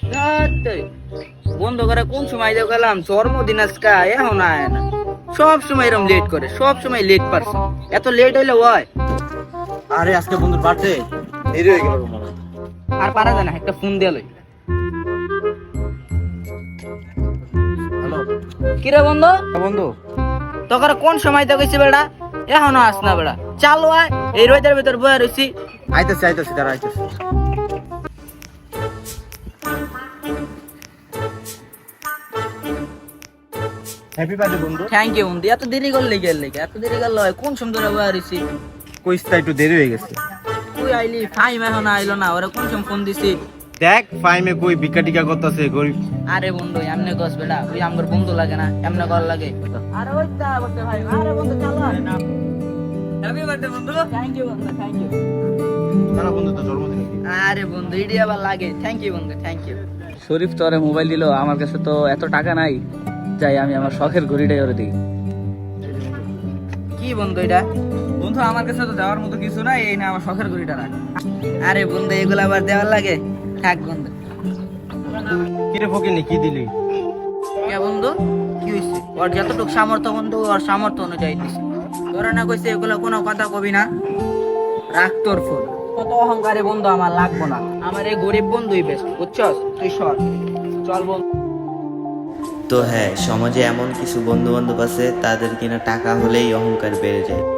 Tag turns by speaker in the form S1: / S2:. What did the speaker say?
S1: বন্ধ করে কোন সময় দিয়ে গেলাম জন্মদিন আজকা এখন আয় না, সব সময় এরকম লেট করে, সব সময় লেট পারছে, এত লেট হইলে হয়।
S2: আরে আজকে বন্ধুর বার্থডে, দেরি হয়ে গেল মনে হয়।
S1: আর পারা যায় না, একটা ফোন দিয়ে লই।
S2: হ্যালো
S1: কিরে বন্ধু,
S2: বন্ধু,
S1: তোকে কোন সময় দিয়ে গেছি বেড়া, এখনো আস না বেড়া, চালু আয়, এই রোদের ভিতর বয়ে রয়েছি।
S2: আইতেছি তারা আইতেছি। হ্যাপি বার্থডে বন্ধু।
S1: থ্যাংক ইউ বন্ধু, এত দেরি করলে গেল, এত দেরি করলে হয়, কোন সময় ধরে বয়ে রয়েছি।
S2: কইসটা একটু দেরি হয়ে গেছে।
S1: তুই আইলি, ফাইম এখনো আইলো না, ওরা কোন সময় ফোন দিছি।
S2: দেখ ফাইমে কই ভিক্ষা টিকা করতেছে গরিব।
S1: আরে বন্ধু এমনি গছ বেড়া, ওই আমার বন্ধু লাগে না, এমনি কল লাগে। আরে ওই তা বলতে ভাই, আরে বন্ধু চালো না। হ্যাপি বার্থডে বন্ধু। থ্যাংক ইউ বন্ধু, থ্যাংক ইউ।
S2: তারা বন্ধু তো জন্মদিন।
S1: আরে বন্ধু ইডি আবার লাগে, থ্যাংক ইউ বন্ধু, থ্যাংক ইউ।
S3: শরীফ তো আরে মোবাইল দিল, আমার কাছে তো এত টাকা নাই, যাই আমি আমার শখের ঘড়িটাই ওরে দিই।
S1: কি বন্ধু এটা?
S3: বন্ধু আমার কাছে তো দেওয়ার মতো কিছু নাই, এই না আমার শখের ঘড়িটা রাখ।
S1: আরে বন্ধু এগুলো আবার দেওয়ার লাগে, থাক বন্ধু।
S2: কিরে ফকিনি কি দিলি?
S1: কে বন্ধু কি হয়েছে? ওর যতটুকু সামর্থ্য বন্ধু, ওর সামর্থ্য অনুযায়ী দিছে। তোরা না কইছে এগুলো কোনো কথা কবি না, রাখ তোর ফোন। কত অহংকারে বন্ধু, আমার লাগবো না, আমার এই গরিব বন্ধুই বেশ, বুঝছস? তুই সর, চল বন্ধু।
S4: তো হ্যাঁ, সমাজে এমন কিছু বন্ধু বান্ধব আছে তাদের কিনা টাকা হলেই অহংকার বেড়ে যায়।